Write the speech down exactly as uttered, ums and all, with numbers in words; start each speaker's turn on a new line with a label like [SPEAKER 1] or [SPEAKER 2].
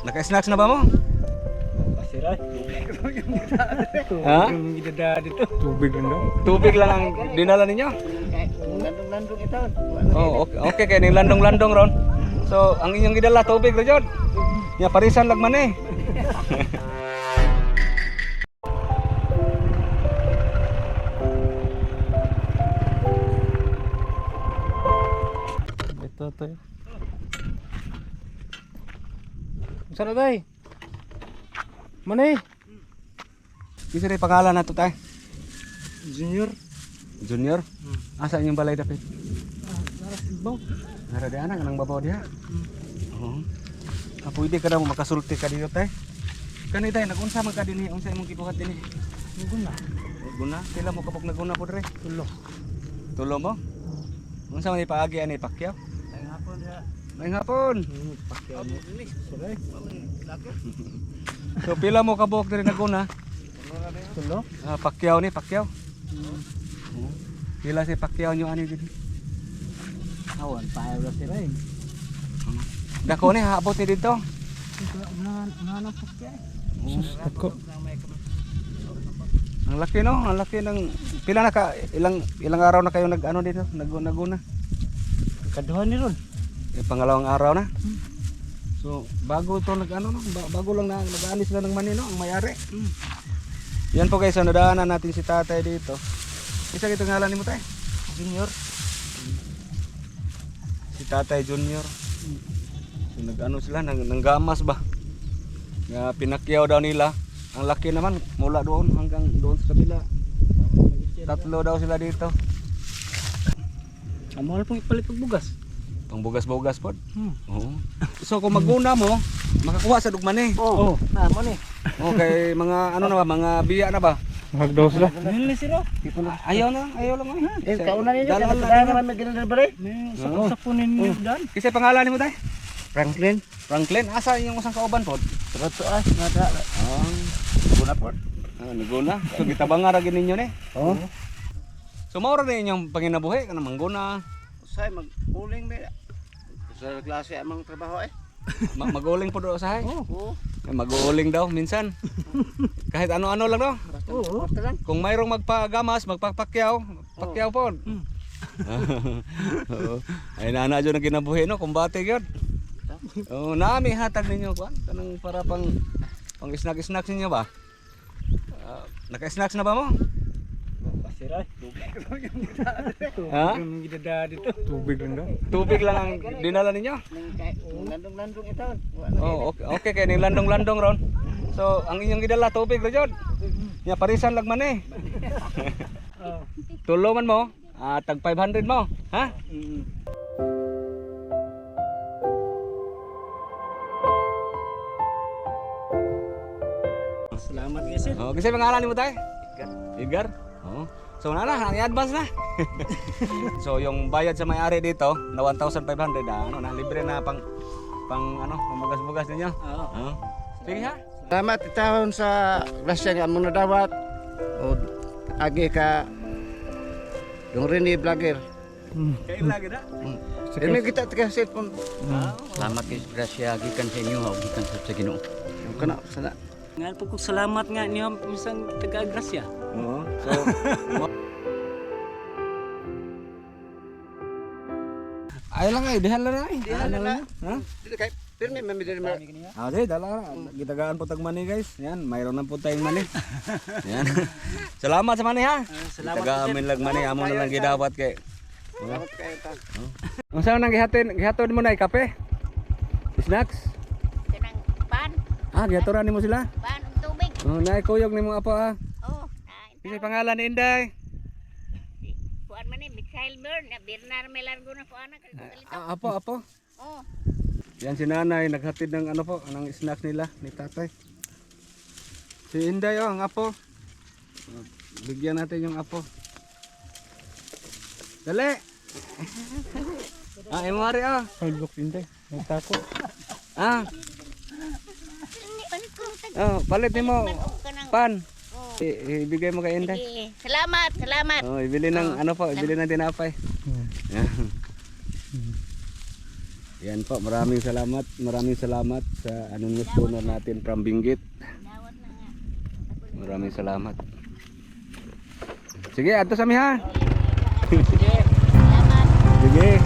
[SPEAKER 1] Naka-snacks na ba mo?
[SPEAKER 2] Pasiray.
[SPEAKER 1] Ha?
[SPEAKER 2] Yung idada dito. Tubig lang daw.
[SPEAKER 1] Tubig lang ang dinala ninyo?
[SPEAKER 2] Landong-landong ito.
[SPEAKER 1] Oh, okay, okay kay ning landong-landong ron. So, ang inyong gidala tubig ra jud. Ya parisan lagman eh.
[SPEAKER 2] Ito to. Saan na tayo? Mana eh?
[SPEAKER 1] Kisa rin pangalan na to tay?
[SPEAKER 2] Junior.
[SPEAKER 1] Junior? Asa inyong balay dapit?
[SPEAKER 2] Naras ibaw.
[SPEAKER 1] Nara di anak nang babaw diha. Oo. Ah, pwede ka na mo makasulti ka dito tay. Kani tay nagunsa man ka dinhi unsa imong gibuhat dinhi?
[SPEAKER 2] Guna.
[SPEAKER 1] Guna, pila mo kapag naguna po dre?
[SPEAKER 2] Tulo.
[SPEAKER 1] Tulo mo? Unsa man ipaagi ani pakyaw?
[SPEAKER 2] Ay hapon ya.
[SPEAKER 1] May hapon.
[SPEAKER 2] Hmm, pakyaw mo. Saray.
[SPEAKER 1] So pila mo kabuok diri naguna?
[SPEAKER 2] Tulo.
[SPEAKER 1] Ah, pakyaw ni pakyaw. Oo. Pila si pakyaw nyo ani dinhi?
[SPEAKER 2] Awan, payaw lang sila eh.
[SPEAKER 1] Dako ni haabot ni dito.
[SPEAKER 2] Unahan, unahan ang pakyaw.
[SPEAKER 1] Sus,
[SPEAKER 2] dako.
[SPEAKER 1] Ang laki no, ang laki ng pila na ka ilang ilang araw na kayo nag ano dito, nag naguna.
[SPEAKER 2] Kaduhan ni ron.
[SPEAKER 1] Eh, pangalawang araw na. So, bago to nag ano no, ba- bago lang na nag-aani sila ng mani no, ang may-ari. Yan po guys, so, nadaanan natin si tatay dito. Isa gito ngalan nimo tay?
[SPEAKER 2] Junior.
[SPEAKER 1] Si Tatay Junior. So, nag-ano sila, nang, nanggamas ba? Nga pinakyaw daw nila. Ang laki naman, mula doon hanggang doon sa kabila. Tatlo daw sila dito.
[SPEAKER 2] Ang mahal pong ipalit ng bugas.
[SPEAKER 1] Pangbugas-bugas po.
[SPEAKER 2] Hmm.
[SPEAKER 1] Oo. So kung maguna mo, makakuha sa dugman eh.
[SPEAKER 2] Oo. Oh. Na mo ni.
[SPEAKER 1] Okay, mga ano na ba, mga biya na ba?
[SPEAKER 2] Magdaw sila. Nili sila.
[SPEAKER 1] Ayaw na, ayaw lang eh.
[SPEAKER 2] Eh, kauna ninyo.
[SPEAKER 1] Dalawa
[SPEAKER 2] Dalawa
[SPEAKER 1] lang.
[SPEAKER 2] na naman may ganun ba rin? Sakon-sakunin ninyo dan.
[SPEAKER 1] Kasi pangalan mo tayo?
[SPEAKER 2] Franklin.
[SPEAKER 1] Franklin, asa yung usang kauban po?
[SPEAKER 2] Trato ah. Nada.
[SPEAKER 1] Ah,
[SPEAKER 2] Guna po.
[SPEAKER 1] ah naguna. So gitabanga ra gid ninyo ni.
[SPEAKER 2] Oo.
[SPEAKER 1] So maura na inyong panginabuhi kana mangguna.
[SPEAKER 2] Usay mag-uling ba? Sa klase amang trabaho eh.
[SPEAKER 1] Ma- maguling po do usahay.
[SPEAKER 2] Oo.
[SPEAKER 1] Eh, Maguling daw minsan. Kahit ano-ano lang daw.
[SPEAKER 2] Oo. Basta lang.
[SPEAKER 1] Kung mayroong magpagamas, magpapakyaw, pakyaw po.
[SPEAKER 2] Hmm.
[SPEAKER 1] Oo. Ay nana jud ang kinabuhi no, kumbate gyud. Oh, nami hatag ninyo kuan kanang para pang pang snack-snack ninyo ba? Ah, naka-snacks na ba mo?
[SPEAKER 2] Pasiray.
[SPEAKER 1] Ha?
[SPEAKER 2] Yung idada dito. Tubig lang daw.
[SPEAKER 1] Tubig lang ang dinala ninyo?
[SPEAKER 2] Landong-landong ito.
[SPEAKER 1] Oh, okay, okay kay ning landong-landong ron. So, ang inyong gidala tubig ra jud. Ya parisan lagman eh.
[SPEAKER 2] Oo.
[SPEAKER 1] Tulo man mo, ah tag five hundred mo, ha?
[SPEAKER 2] Salamat guys.
[SPEAKER 1] Oh, kasi pangalan nimo tay? Edgar. Edgar? Oh. So na na, i-advance na. So yung bayad sa may-ari dito na one thousand five hundred, ah, ano na libre na pang pang ano, pambugas-bugas ninyo.
[SPEAKER 2] Oo.
[SPEAKER 1] Oh. Sige ha.
[SPEAKER 2] Salamat itahon sa grasya nga mong nadawat. O agi ka yung rin ni vlogger.
[SPEAKER 1] Kay lagi na.
[SPEAKER 2] Ini kita tiga cellphone.
[SPEAKER 3] Salamat kay grasya gikan sa inyo ug gikan sa Ginoo.
[SPEAKER 2] Yung kana sana.
[SPEAKER 3] Nga po kong salamat nga niyo misang taga grasya.
[SPEAKER 1] Oo. So ay lang ay, dihan lang ay.
[SPEAKER 2] Dihan lang na.
[SPEAKER 1] Ha?
[SPEAKER 2] Dili kay pirmi mamidiri ma.
[SPEAKER 1] Ah, di, dala na. Gitagaan po tag money guys. Yan, mayroon na po tayong money. Yan. Salamat sa money ha.
[SPEAKER 3] salamat
[SPEAKER 1] Taga amin lang money, amo na lang gidawat kay.
[SPEAKER 2] Salamat kayo ta.
[SPEAKER 1] Unsa nang gihatin, gihatod mo na ay kape? Snacks?
[SPEAKER 4] Kanang pan,
[SPEAKER 1] Ah, gihatoran nimo sila.
[SPEAKER 4] pan ug tubig.
[SPEAKER 1] Oh, naay kuyog nimo apo ah.
[SPEAKER 4] Oh,
[SPEAKER 1] Kasi
[SPEAKER 4] na
[SPEAKER 1] pangalan ni Inday.
[SPEAKER 4] kuan man ni Mikhail Bird, na Bernard Melargo na ko anak kalito.
[SPEAKER 1] Ah, apo, apo.
[SPEAKER 4] Oh,
[SPEAKER 1] Yan si nanay, naghatid ng ano po, ng snacks nila, ni tatay. Si Inday oh, ang apo. Oh, bigyan natin yung apo. Dali! Ah, emari ah.
[SPEAKER 2] Hulbok din tay. Nagtako.
[SPEAKER 1] Ah,
[SPEAKER 4] palit ko tag.
[SPEAKER 1] oh, palit nimo
[SPEAKER 4] Kanang
[SPEAKER 1] pan.
[SPEAKER 4] oh.
[SPEAKER 1] I- ibigay mo kay Inday.
[SPEAKER 4] Sige. Salamat, salamat.
[SPEAKER 1] Oh, ibili ng ano po, ibili ng tinapay.
[SPEAKER 2] Hmm.
[SPEAKER 1] Yan. Yan po, maraming salamat. Maraming salamat sa anonymous donor natin from Benguet.
[SPEAKER 4] Dawat na nga.
[SPEAKER 1] Maraming salamat. Sige, ato sa mi ha.
[SPEAKER 4] Salamat.
[SPEAKER 1] Sige.